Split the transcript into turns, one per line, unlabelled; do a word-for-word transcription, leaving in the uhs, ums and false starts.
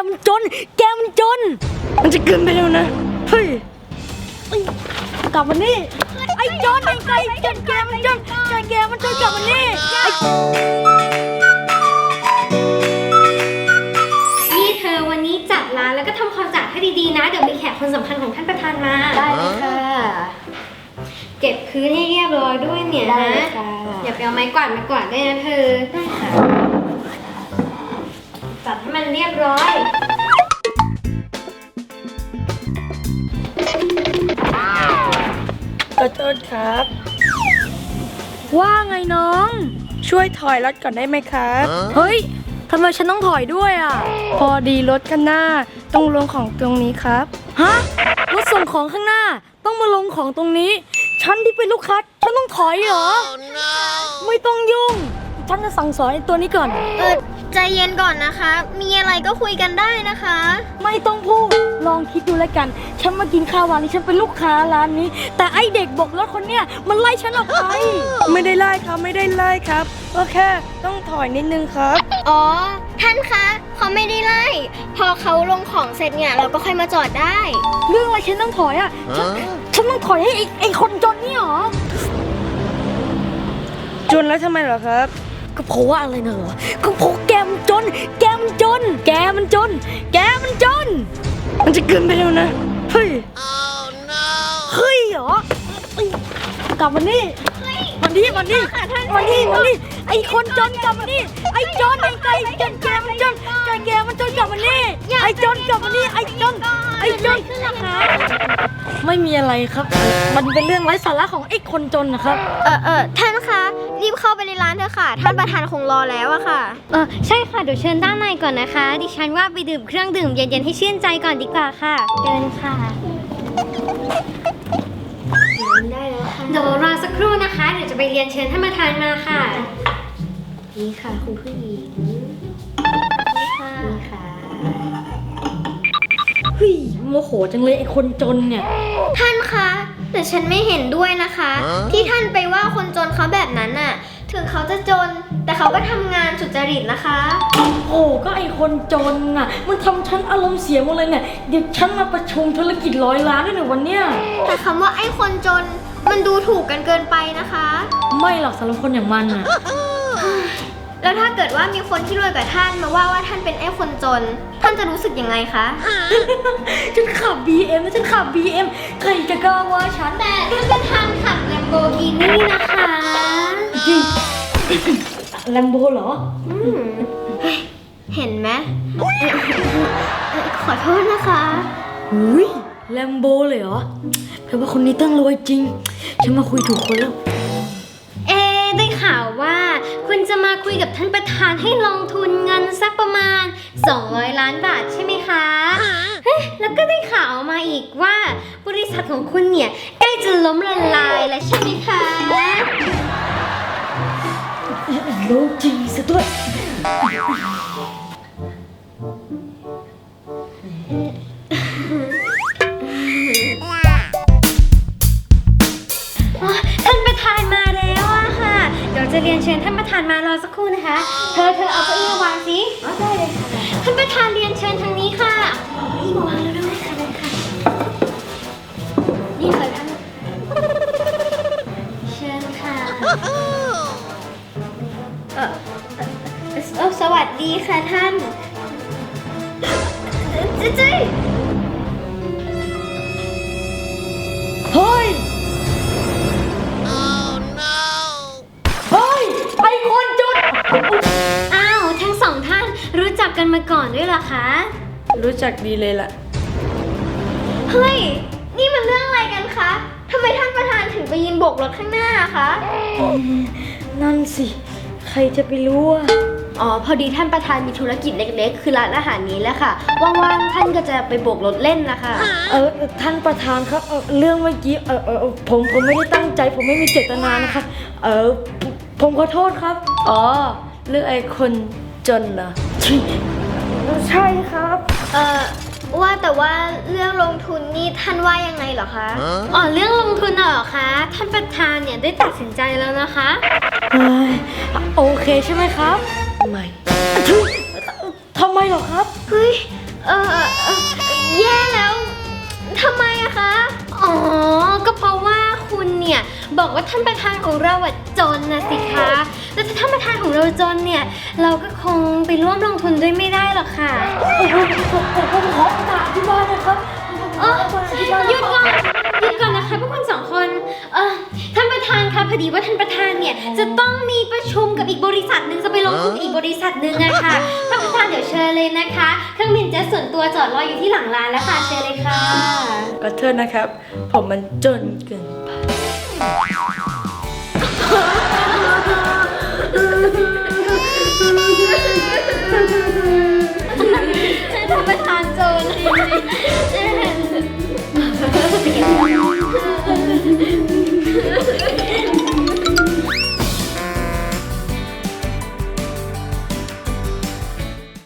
มันจนแกมันจนมันจะเกินไปแล้วนะเฮ้ยกลับมานี่ไอ้จนไอ้ไก่จนแกมันจนจนแกมันจนกลับมานี่
นี่เธอวันนี้จัดร้านแล้วก็ทำความสะอาดให้ดีๆนะเดี๋ยวมีแขกคนสำคัญของท่านประธานมา
ได้เลยค่ะ
เก็บพื้นให้เรียบร้อยด้วยเนี่ยนะอย่าไปเอาไม้กวาดมากวาดได้นะเธอได้ค่ะจัดให้มันเรียบร้อย
ขอโทษครับว่าไงน้องช่วยถอยรถก่อนได้ไหมครับเฮ้ยทำไมฉันต้องถอยด้วยอ่ะพอดีรถข้างหน้าต้องลงของตรงนี้ครับฮะรถส่งของข้างหน้าต้องมาลงของตรงนี้ฉันที่เป็นลูกค้าฉันต้องถอยเหรอ oh, no. ไม่ต้องยุ่งฉันจะสั่งสอนไอ้ตัวนี้ก่อน
เออใจเย็นก่อนนะคะมีอะไรก็คุยกันได้นะคะ
ไม่ต้องพูดลองคิดดูแล้วกันฉันมากินข้าวร้านนี้ฉันเป็นลูกค้าร้านนี้แต่ไอเด็กบอกรถคนเนี้ยมันไล่ฉันออกไป ไม่ได้ไล่ครับไม่ได้ไล่ครับก็แค่ต้องถอยนิดนึงครับ
อ๋อท่านคะเขาไม่ได้ไล่พอเขาลงของเสร็จเนี่ยเราก็ค่อยมาจอดได้
เรื่องอะไรฉันต้องถอยอ่ะฉันฉันต้องถอยให้ไอ้ไอ้คนจนนี่หรอจนแล้วทำไมเหรอครับก็เพราะว่าอะไรนะเหรอก็เพราะแกมันจนแกมันจนแกมันจนแกมันจนมันจะเกินไปแล้วนะเฮ้ย oh, no. เฮ้ยเหรอกลับมานี่วันนี้วันนี้วันนี้วันนี้ไอ้คนจนกลับมานี่ไอ้จนไอ้ไก่จนแกมันจนแกแกมันจนกลับมานี่ไอ้จนกลับมานี่ไอ้จนไอ้จนไม่มีอะไรครับมันเป็นเรื่องไร้สาระของไอ้คนจนนะครับ
เออเออท่านคะรีบเข้าไปในร้านเถอะค่ะท่านประธานคงรอแล้วอะค่ะ
เออใช่ค่ะเดี๋ยวเชิญด้านในก่อนนะคะดิฉันว่าไปดื่มเครื่องดื่มเย็นๆให้ชื่นใจก่อนดีกว่าค่ะเดินค่ะได้แล้วค่ะเดี๋ยวรอสักครู่นะคะเดี๋ยวจะไปเรียนเชิญท่านประธานมาค่ะนี่ค่ะคุณผู้หญิงนี่ค่ะนี่ค่ะ
เฮ้ยโมโหจังเลยไอ้คนจนเนี่ย
ท่านคะแต่ฉันไม่เห็นด้วยนะคะ ที่ท่านไปว่าคนจนเขาแบบนั้นน่ะถึงเขาจะจนแต่เขาก็ทำงานสุจริตนะคะ
โอ้ก็ไอ้คนจนน่ะมันทำฉันอารมณ์เสียหมดเลยเนี่ยเดี๋ยวฉันมาประชุมธุรกิจร้อยล้านด้วยในวันเนี้ย
แต่คำว่าไอ้คนจนมันดูถูกกันเกินไปนะคะ
ไม่หรอกสำหรับคนอย่างมันน่ะ
แล้วถ้าเกิดว่ามีคนที่รวยกว่าท่านมาว่าว่าท่านเป็นไอ้คนจนท่านจะรู้สึกยังไงคะ
ฉันขับ บี เอ็ม แล้วฉันขับ บี เอ็ม ใครจะกล้าว่าฉัน
แต่ท่านประธานขับ Lamborghini นะคะ
แลมโบเหรอ
เห็นไหมขอโทษนะคะ
อุ้ยแลมโบเลยเหรอแปลว่าคนนี้ต้องรวยจริงฉันมาคุยถูกคนแล้ว
เอ๊ได้ข่าวว่าคุณจะมาคุยกับท่านประธานให้ลงทุนเงินสักประมาณสองร้อยล้านบาทใช่ไหมคะเฮ้ยแล้วก็ได้ข่าวมาอีกว่าบริษัทของคุณเนี่ยใกล้จะล้มละลายแล้วใช่ไหมคะ
รู้จริงซะด้วย
ท่านประธานมาแล้วอะค่ะเดี๋ยวจะเรียนเชิญท่านประธานมารอสักครู่นะคะเธอเธอเอาเก้าอี้มาวางสิได้เลยค่ะท่านประธานเรียนเชิญทางนี้ค่ะเอาเก้าอี้มาวางแล้วด้วยค่ะเลยค่ะนี่ค่ะท่านเชิญค่ะเออเออสวัสดีค่ะท่านเจ๊เจ๊
เฮ้ยเฮ้ยไอ้คนจน
อ้าวทั้งสองท่านรู้จักกันมาก่อนด้วยเหรอคะ
รู้จักดีเลยล่ะ
เฮ้ยนี่มันเรื่องอะไรกันคะทำไมท่านประธานถึงไปยืนโบกรถข้างหน้าคะ
นั่นสิใครจะไปรู้อ่ะ
อ๋อพอดีท่านประธานมีธุรกิจเล็กๆคือร้านอาหารนี้แหละค่ะว่างๆท่านก็จะไปโบกรถเล่นนะคะ
เออท่านประธานครับเออเรื่องเมื่อกี้เออเออผมผมไม่ได้ตั้งใจผมไม่มีเจตนานะคะเออผมขอโทษครับอ๋อเรื่องไอ้คนจนเหรอใช่ครับ
เออว่าแต่ว่าเรื่องลงทุนนี่ท่านว่ายังไงเหรอคะ
อ๋อเรื่องลงทุนเหรอคะท่านประธานเนี่ยได้ตัดสินใจแล้วนะคะ
โอเคใช่ไหมครับไม่ทำไมเหรอครับ
เฮ้ยเออเออเอ่อแย่แล้วทำไมอะคะ
อ๋อ ก็เพราะว่าคุณเนี่ยบอกว่าท่านประธานของเราอะจนนะสิคะ แล้วถ้าท่านประธานของเราจนเนี่ย เราก็คงไปร่วมลงทุนด้วยไม่ได้หรอกค่ะ
ผมขอโอกาสที่บ้านนะครับ
เออหยุดก่อนหยุดก่อนนะคะพวกคุณสองคนเออท่านประธานคะพอดีว่าท่านประธานเนี่ยจะต้องมีประชุมกับอีกบริษัทหนึ่งจะไปลงทุนกับอีกบริษัทหนึ่งอะค่ะท่านประธานเดี๋ยวเชิญเลยนะคะเครื่องบินเจ็ตส่วนตัวจอดรออยู่ที่หลังร้านแล้วค่ะเชิญเลยค่ะ
ขอโทษนะครับ ผมมันจนเกินไป